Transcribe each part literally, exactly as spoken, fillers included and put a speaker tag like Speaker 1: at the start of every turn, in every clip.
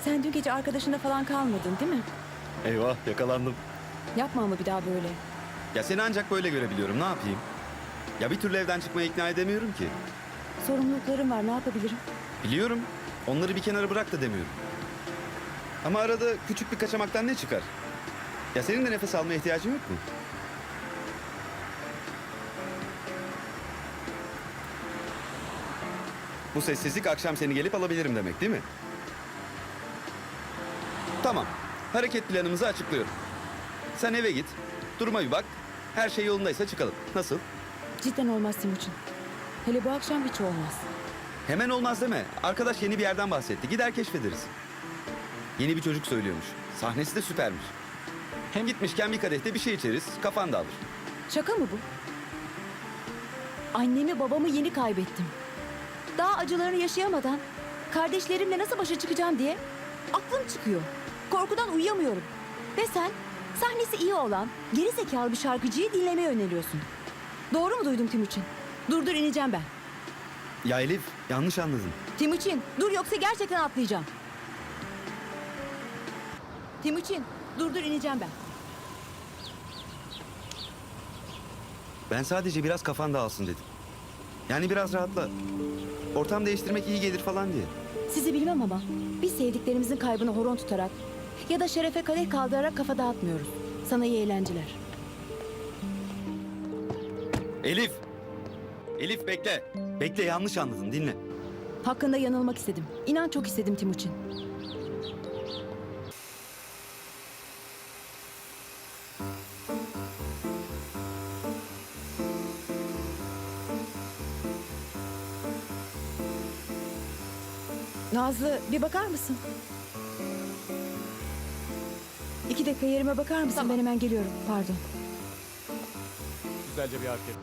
Speaker 1: Sen dün gece arkadaşında falan kalmadın değil mi?
Speaker 2: Eyvah, yakalandım.
Speaker 1: Yapma ama bir daha böyle.
Speaker 2: Ya seni ancak böyle görebiliyorum, ne yapayım? Ya bir türlü evden çıkmaya ikna edemiyorum ki.
Speaker 1: Sorumluluklarım var, ne yapabilirim?
Speaker 2: Biliyorum, onları bir kenara bırak da demiyorum. Ama arada küçük bir kaçamaktan ne çıkar? Ya senin de nefes almaya ihtiyacın yok mu? Bu sessizlik akşam seni gelip alabilirim demek değil mi? Tamam, hareket planımızı açıklıyorum. Sen eve git, duruma bir bak. Her şey yolundaysa çıkalım. Nasıl?
Speaker 1: Cidden olmaz Timuçin. Hele bu akşam hiç olmaz.
Speaker 2: Hemen olmaz deme. Arkadaş yeni bir yerden bahsetti. Gider keşfederiz. Yeni bir çocuk söylüyormuş. Sahnesi de süpermiş. Hem gitmişken bir kadehte bir şey içeriz. Kafan dağılır.
Speaker 1: Şaka mı bu? Annemi babamı yeni kaybettim. Daha acılarını yaşayamadan kardeşlerimle nasıl başa çıkacağım diye aklım çıkıyor. Korkudan uyuyamıyorum. Ve sen sahnesi iyi olan geri zekalı bir şarkıcıyı dinlemeye öneriyorsun. Doğru mu duydum Timuçin? Dur dur ineceğim ben.
Speaker 2: Ya Elif, yanlış anladın.
Speaker 1: Timuçin dur yoksa gerçekten atlayacağım. Timuçin dur dur ineceğim ben.
Speaker 2: Ben sadece biraz kafan dağılsın dedim. Yani biraz rahatla. Ortam değiştirmek iyi gelir falan diye.
Speaker 1: Sizi bilmem ama biz sevdiklerimizin kaybını horon tutarak ya da şerefe kadeh kaldırarak kafa dağıtmıyoruz. Sana iyi eğlenceler.
Speaker 2: Elif! Elif bekle. Bekle, yanlış anladın, dinle.
Speaker 1: Hakkında yanılmak istedim. İnan çok istedim Timuçin. Nazlı bir bakar mısın? İki dakika yerime bakar mısın? Ben hemen geliyorum. Pardon.
Speaker 3: Güzelce bir hareket.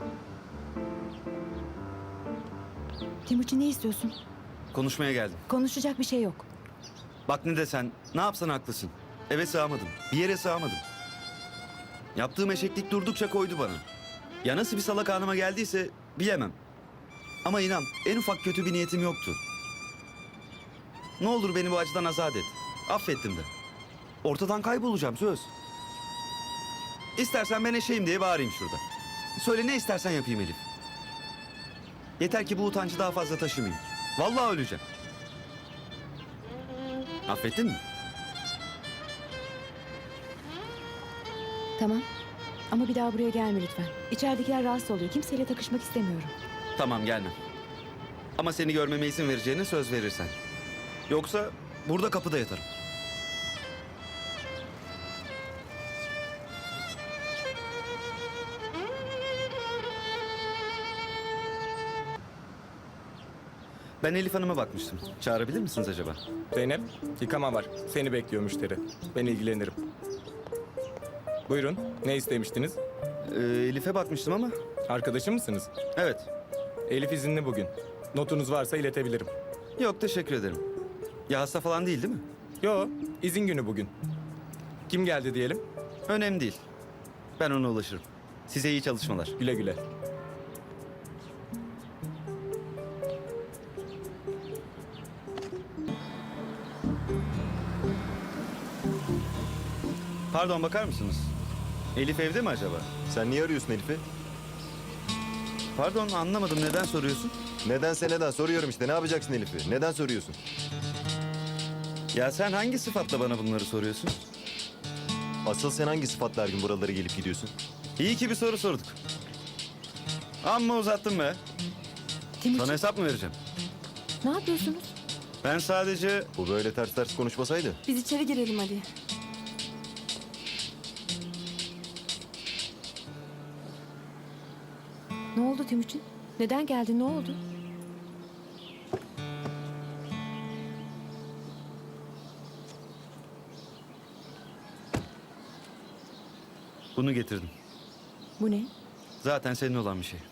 Speaker 1: Timuçin ne istiyorsun?
Speaker 2: Konuşmaya geldim.
Speaker 1: Konuşacak bir şey yok.
Speaker 2: Bak ne desen, ne yapsan haklısın. Eve sığamadım, bir yere sığamadım. Yaptığım eşeklik durdukça koydu bana. Ya nasıl bir salak anıma geldiyse bilemem. Ama inan, en ufak kötü bir niyetim yoktu. Ne olur beni bu acıdan azat et. Affettim de. Ortadan kaybolacağım söz. İstersen ben eşeğim diye bağırayım şurada. Söyle ne istersen yapayım Elif. Yeter ki bu utancı daha fazla taşımayayım. Vallahi öleceğim. Affettin mi?
Speaker 1: Tamam. Ama bir daha buraya gelme lütfen. İçeridekiler rahatsız oluyor. Kimseyle takışmak istemiyorum.
Speaker 2: Tamam gelmem. Ama seni görmeme izin vereceğine söz verirsen. Yoksa burada kapıda yatarım. Ben Elif Hanım'a bakmıştım. Çağırabilir misiniz acaba?
Speaker 3: Zeynep, yıkama var. Seni bekliyor müşteri. Ben ilgilenirim. Buyurun, ne istemiştiniz?
Speaker 2: Ee, Elif'e bakmıştım ama.
Speaker 3: Arkadaşı mısınız?
Speaker 2: Evet.
Speaker 3: Elif izinli bugün. Notunuz varsa iletebilirim.
Speaker 2: Yok teşekkür ederim. Ya hasta falan değil değil mi?
Speaker 3: Yo, izin günü bugün. Kim geldi diyelim?
Speaker 2: Önemli değil. Ben ona ulaşırım. Size iyi çalışmalar.
Speaker 3: Güle güle.
Speaker 2: Pardon bakar mısınız? Elif evde mi acaba?
Speaker 4: Sen niye arıyorsun Elif'i?
Speaker 2: Pardon anlamadım neden soruyorsun?
Speaker 4: Nedense neden soruyorum işte. Ne yapacaksın Elif'i? Neden soruyorsun?
Speaker 2: Ya sen hangi sıfatla bana bunları soruyorsun?
Speaker 4: Asıl sen hangi sıfatla her gün buralara gelip gidiyorsun?
Speaker 2: İyi ki bir soru sorduk. Amma uzattın be.
Speaker 1: Timuçin
Speaker 2: Sana hesap mı vereceğim?
Speaker 1: ne yapıyorsunuz?
Speaker 2: Ben sadece...
Speaker 4: Bu böyle ters ters konuşmasaydı.
Speaker 1: Biz içeri girelim hadi. Ne oldu Timuçin? Neden geldin? Ne oldu?
Speaker 2: Bunu getirdim.
Speaker 1: Bu ne?
Speaker 2: Zaten senin olan bir şey.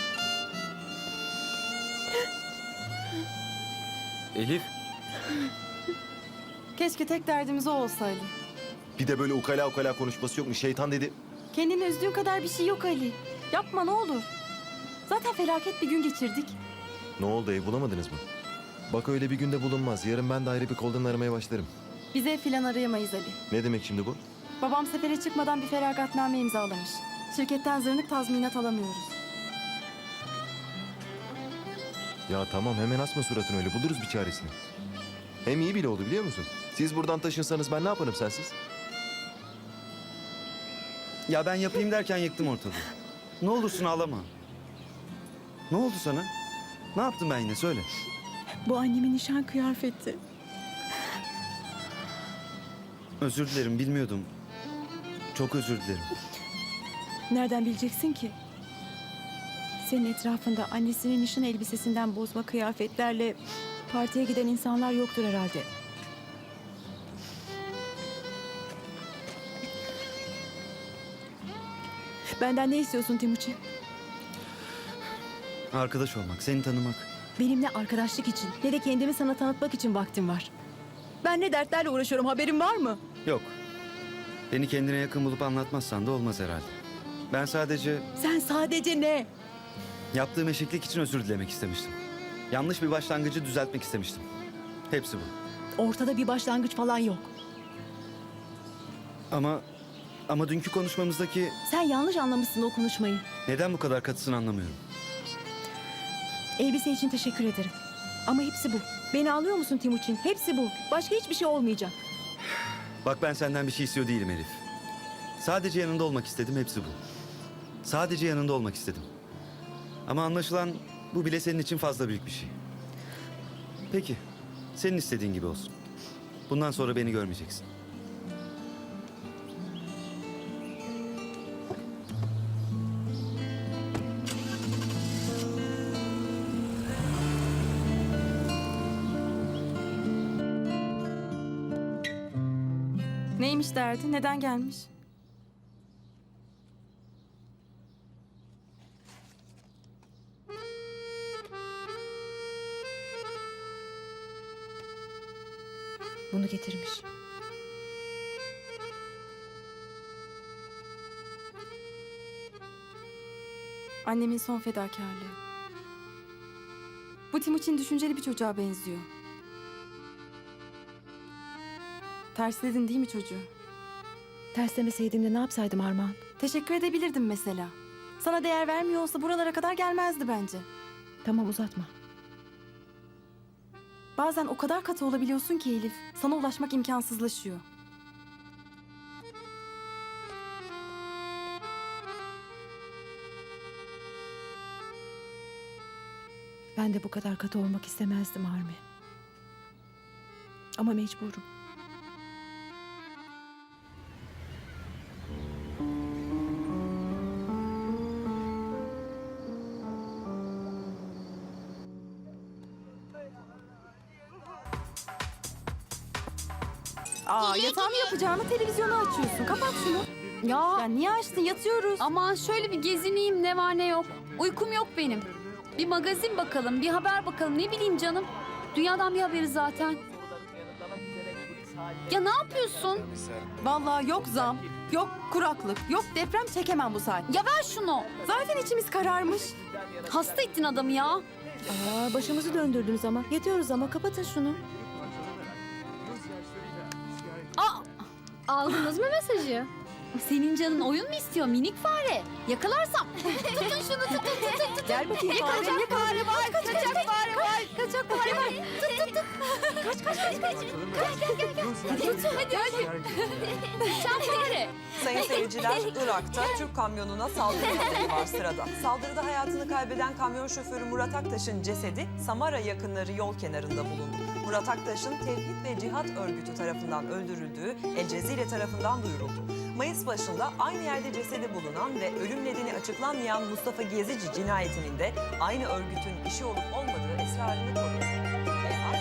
Speaker 2: Elif.
Speaker 5: Keşke tek derdimiz o olsaydı.
Speaker 4: Bir de böyle ukala ukala konuşması yok mu? Şeytan dedi.
Speaker 5: Kendini üzdüğün kadar bir şey yok Ali. Yapma ne olur. Zaten felaket bir gün geçirdik.
Speaker 4: Ne oldu, ev bulamadınız mı? Bak öyle bir günde bulunmaz. Yarın ben de ayrı bir koldan aramaya başlarım.
Speaker 5: Biz ev filan arayamayız Ali.
Speaker 4: Ne demek şimdi bu?
Speaker 5: Babam sefere çıkmadan bir feragatname imzalamış. Şirketten zırnık tazminat alamıyoruz.
Speaker 4: Ya tamam, hemen asma suratını öyle. Buluruz bir çaresini. Hem iyi bile oldu, biliyor musun? Siz buradan taşınsanız ben ne yaparım sensiz?
Speaker 2: Ya ben yapayım derken yıktım ortalığı. Ne olursun ağlama. Ne oldu sana? Ne yaptım ben yine söyle.
Speaker 6: Bu annemin nişan kıyafeti.
Speaker 2: Özür dilerim bilmiyordum. Çok özür dilerim.
Speaker 6: Nereden bileceksin ki? Senin etrafında annesinin nişan elbisesinden bozma kıyafetlerle partiye giden insanlar yoktur herhalde. Benden ne istiyorsun Timuçin?
Speaker 2: Arkadaş olmak, seni tanımak.
Speaker 6: Benim ne arkadaşlık için ne de kendimi sana tanıtmak için vaktim var. Ben ne dertlerle uğraşıyorum, haberin var mı?
Speaker 2: Yok. Beni kendine yakın bulup anlatmazsan da olmaz herhalde. Ben sadece
Speaker 6: Sen sadece ne?
Speaker 2: yaptığım eşeklik için özür dilemek istemiştim. Yanlış bir başlangıcı düzeltmek istemiştim. Hepsi bu.
Speaker 6: Ortada bir başlangıç falan yok.
Speaker 2: Ama ama dünkü konuşmamızdaki
Speaker 6: Sen yanlış anlamışsın o konuşmayı.
Speaker 2: neden bu kadar katısın anlamıyorum.
Speaker 6: Elbise için teşekkür ederim. Ama hepsi bu. Beni anlıyor musun Timuçin? Hepsi bu. Başka hiçbir şey olmayacak.
Speaker 2: Bak ben senden bir şey istiyor değilim Elif. Sadece yanında olmak istedim, hepsi bu. Sadece yanında olmak istedim. Ama anlaşılan bu bile senin için fazla büyük bir şey. Peki, senin istediğin gibi olsun. Bundan sonra beni görmeyeceksin.
Speaker 5: Neymiş derdi? Neden gelmiş?
Speaker 6: Bunu getirmiş.
Speaker 5: Annemin son fedakarlığı. Bu Timuçin düşünceli bir çocuğa benziyor. Tersledin değil mi çocuğu?
Speaker 6: Terslemeseydim de ne yapsaydım Armağan?
Speaker 5: Teşekkür edebilirdim mesela. Sana değer vermiyor olsa buralara kadar gelmezdi bence.
Speaker 6: Tamam uzatma.
Speaker 5: Bazen o kadar katı olabiliyorsun ki Elif, sana ulaşmak imkansızlaşıyor.
Speaker 6: Ben de bu kadar katı olmak istemezdim Armi. Ama mecburum.
Speaker 5: Aa, yatağımı yapacağımı televizyonu açıyorsun. Kapat şunu.
Speaker 7: Ya
Speaker 5: Ya niye açtın? Yatıyoruz.
Speaker 7: aman şöyle bir gezineyim ne var ne yok. Uykum yok benim. Bir magazin bakalım, bir haber bakalım. Ne bileyim canım. Dünyadan bir haberi zaten. Ya ne yapıyorsun?
Speaker 5: Vallahi yok zam, yok kuraklık, yok deprem çekemem bu saat.
Speaker 7: Ya ver şunu.
Speaker 5: Zaten içimiz kararmış.
Speaker 7: Hasta ettin adamı ya.
Speaker 6: Aa, başımızı döndürdünüz ama. Yatıyoruz ama kapatın şunu.
Speaker 7: Aa, aldınız mı mesajı? Senin canın oyun mu istiyor minik fare? Yakalarsam. Tutun şunu tutun tutun tutun.
Speaker 6: Gel bakayım fare.
Speaker 7: Yakalayacak fare var. Kaçacak fare var. Kaçacak fare var. Tut tut tut. Kaç kaç kaç kaç. Kaç gel gel gel. Hadi tutun hadi hadi. Sen fare.
Speaker 8: Sayın seyirciler, Irak'ta Türk kamyonuna saldırı haberi var sırada. Saldırıda hayatını kaybeden kamyon şoförü Murat Aktaş'ın cesedi Samara yakınları yol kenarında bulundu. Murat Aktaş'ın Tevhid ve Cihat örgütü tarafından öldürüldüğü El Cezire tarafından duyuruldu. Mayıs başında aynı yerde cesedi bulunan ve ölüm nedeni açıklanmayan Mustafa Gezici cinayetinin de aynı örgütün işi olup olmadığı esrarını koruyor. Ve